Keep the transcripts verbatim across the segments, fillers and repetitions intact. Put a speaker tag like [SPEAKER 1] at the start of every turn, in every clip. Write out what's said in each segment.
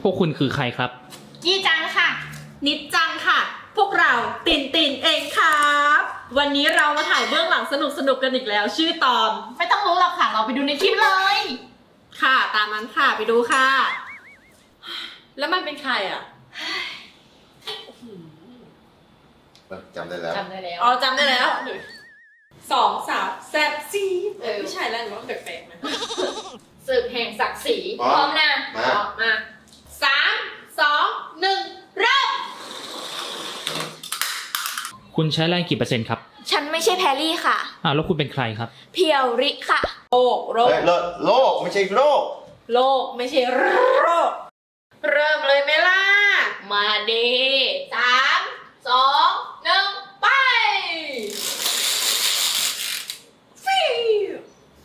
[SPEAKER 1] วกคุณคือใครครับ
[SPEAKER 2] ยี่จังค่ะ
[SPEAKER 3] นิดจังค่ะ พวกเราตินตินเองครับวันนี้เรามาถ่ายเบื้องหลังสนุกสนุกกันอีกแล้ว ชื่อตอน
[SPEAKER 2] ไม่ต้องรู้หรอกค่ะ เราไปดูในคลิปเลย
[SPEAKER 3] ค่ะตามนั้นค่ะไปดูค่ะ แล้วมันเป็นใครอ่ะ
[SPEAKER 4] จำได้แล้ว
[SPEAKER 2] จำได้แล้ว
[SPEAKER 3] อ๋อจำได้แล้วสองสาวแซ่บซี
[SPEAKER 2] เออ
[SPEAKER 3] ไม่ใช่แล้วหรือว่าแปลกๆนะ
[SPEAKER 2] ศึกแห่งศักดิ์ศรี
[SPEAKER 4] พร้อม
[SPEAKER 2] พร้อมนะ
[SPEAKER 4] มา
[SPEAKER 3] มาสามสองหนึ่งเริ่ม
[SPEAKER 1] คุณใช้แรงกี่เปอร์เซ็นต์ครับ
[SPEAKER 5] ฉันไม่ใช่แพรรี่ค่ะ
[SPEAKER 1] อ้าวแล้วคุณเป็นใครครับ
[SPEAKER 5] เพียวริค่ะ
[SPEAKER 3] โรคโรค
[SPEAKER 4] เฮ้ยโลกโลกไม่ใช่โลก
[SPEAKER 3] โรคไม่ใช่โรคเริ่มเลยไหมล่ะ
[SPEAKER 2] มาดีสามสองหนึ่งไป
[SPEAKER 3] ฟิว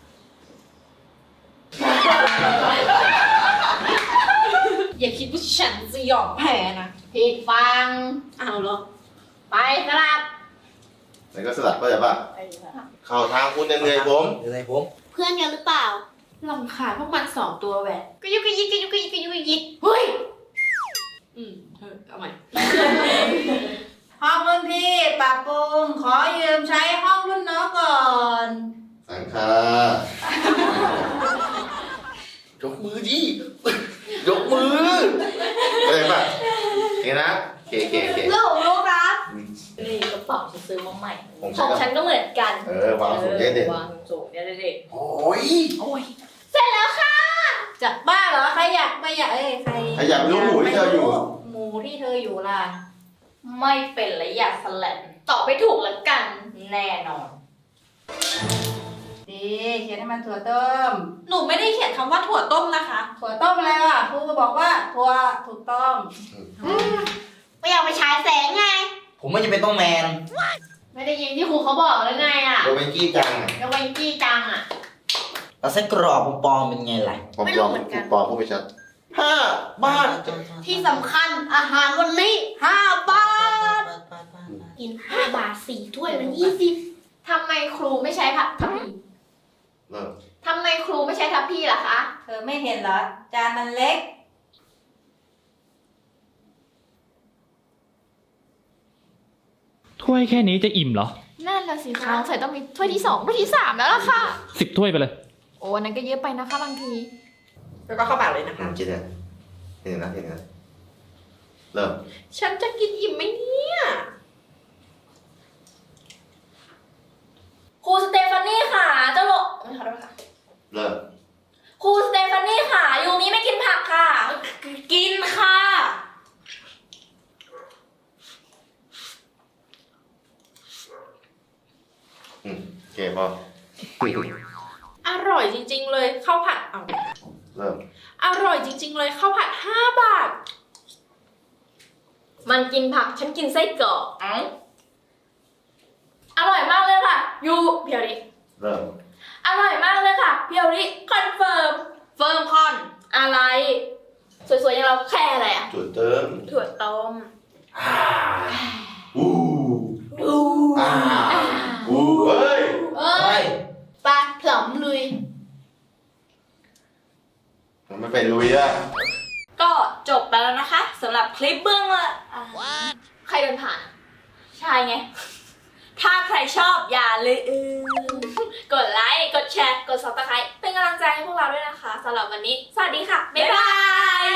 [SPEAKER 3] อย่าคิดว่าฉันจะยอมแพ้นะ
[SPEAKER 2] ผิดฟัง
[SPEAKER 3] เอาเหรอ
[SPEAKER 2] ไปสลับ
[SPEAKER 4] แล้วก็สลับก็จะป่ะเข้าทางคุณเหนื่อยๆผม
[SPEAKER 6] เหนื่อยผม
[SPEAKER 5] เพื่อนกันหรือเปล่า
[SPEAKER 3] ลำคาญพวกมันสองตัวแหวะ
[SPEAKER 2] ก็ยุกยิกก็ยุกยิกก็ยุกยิกเฮ้ย
[SPEAKER 3] อืมเออเอาใหม่
[SPEAKER 7] ห้องรุ่นพี่ปรับปรุงขอยืมใช้ห้องรุ่นน้องก่อน
[SPEAKER 4] สังคายกมือดิยกมือเข้าใจป่ะเห็นนะเคเคเค
[SPEAKER 5] ลูกรู้ครับ
[SPEAKER 4] อืม
[SPEAKER 2] นี่กระเป๋าฉันซื้อมาใหม่
[SPEAKER 4] ผม
[SPEAKER 5] ของ
[SPEAKER 4] ใช้
[SPEAKER 5] ฉันก็เหมือนกัน
[SPEAKER 4] เออวางสูงเด็ด
[SPEAKER 2] วางสูงเนี่ยเด็ก
[SPEAKER 4] โอ้ย
[SPEAKER 2] โอ้ย
[SPEAKER 5] เสร็จแล้วค่ะ
[SPEAKER 7] จะบ้าเหรอใครอยากไม่อยากเอ้ยใคร
[SPEAKER 4] ใครอยากรู้หมูที่เธออยู่
[SPEAKER 7] หมูที่เธออยู่ล่ะ
[SPEAKER 2] ไม่เป็นและอยากสแลนตอบไปถูกแล้วกัน แน่นอน
[SPEAKER 7] ดีเขียนให้มันถั่วต้ม
[SPEAKER 3] หนูไม่ได้เขียนคำว่าถั่วต้มนะคะ
[SPEAKER 7] ถั่วต้มอะไรวะครูก็บอกว่าถั่วถูกต้อง
[SPEAKER 5] ไม่อยากไปฉายแสงไง
[SPEAKER 6] ผมไม่จะเป็นต้องแมน
[SPEAKER 2] ไม่ได้ยินที่ครูเขาบอกเลยไงอ่ะ
[SPEAKER 4] โดนเป็นกี้จัง
[SPEAKER 2] แล้วเวนกี้จังอ่ะ
[SPEAKER 6] แล้วไส้กรอกปลอมๆเป็นไงล่ะ
[SPEAKER 4] ปลอม
[SPEAKER 5] ไม่
[SPEAKER 4] ป
[SPEAKER 5] รู้
[SPEAKER 4] ลอม
[SPEAKER 5] เหมือนกัน
[SPEAKER 4] ปลอมพูดไปชัดห้าบ้าน
[SPEAKER 5] ที่สำคัญอาหารวันนี้ห้าบาท กินห้าบาทสี่ถ้วยมันยี่สิบ
[SPEAKER 2] ทำไมครูไม่ใช้ทัพทัพพี
[SPEAKER 4] เริ่ม
[SPEAKER 2] ทำไมครูไม่ใช้ทัพพีล่ะคะ
[SPEAKER 7] เธอไม่เห็นเหรอ จานมันเล็ก
[SPEAKER 1] ถ้วยแค่นี้จะอิ่มเหรอ
[SPEAKER 2] นั่นแหละสิคะใส่ต้องมีถ้วยที่สองถ้วยที่สามแล้วล่ะค่ะ
[SPEAKER 1] สิบถ้วยไปเลย
[SPEAKER 2] โอ้อันนั้นก็เยอะไปนะคะบางที
[SPEAKER 3] แล้วก็เข้าปากเลยนะคะ
[SPEAKER 4] อืมคิดเนี่ยเห็นนะเห็นนะเริ่ม
[SPEAKER 3] ฉันจะกินอิ่มไหมเนี่ย
[SPEAKER 5] ครูสเตฟานี่ค่ะ เจ้าโลขอโทษค่ะ
[SPEAKER 4] เริ่ม
[SPEAKER 5] ครูสเตฟานี่ค่ะ ยูมิไม่กินผักค่ะ
[SPEAKER 3] กินค่ะ
[SPEAKER 4] อืมโอเคพอ
[SPEAKER 3] อร่อยจริง ๆ เลยข้าวผัดเอา
[SPEAKER 4] เริ่ม
[SPEAKER 3] อร่อยจริง ๆ เลยข้าวผัดห้าบาท
[SPEAKER 2] มันกินผักฉันกินไส้กรอก
[SPEAKER 5] เอ้าอร่อยมากเลยค่ะ ยูเพียวริ
[SPEAKER 4] เริ่ม
[SPEAKER 5] อร่อยมากเลยค่ะ เพียวริคอนเฟิร์ม
[SPEAKER 2] เฟิร์มคอน
[SPEAKER 5] อะไร สวยๆอย่างเราแค่อะไรอะ
[SPEAKER 4] จุดเติม
[SPEAKER 5] ถั่วต้ม
[SPEAKER 4] อ่าอู้อ่าอู้เฮ้ย
[SPEAKER 5] เอ้ยปลาผลอมลุย
[SPEAKER 4] มันไม่เป็นลุยอะ
[SPEAKER 5] ก็จบไปแล้วนะคะสำหรับคลิปเบื้องหละอ่าใครเดินผ่าน ใช่ไง ถ้าใครชอบอย่าลืม กดไลค์ กดแชร์ กด ซับสไครบ์ เป็นกำลังใจให้พวกเราด้วยนะคะสำหรับวันนี้ สวัสดีค่ะ บ๊ายบาย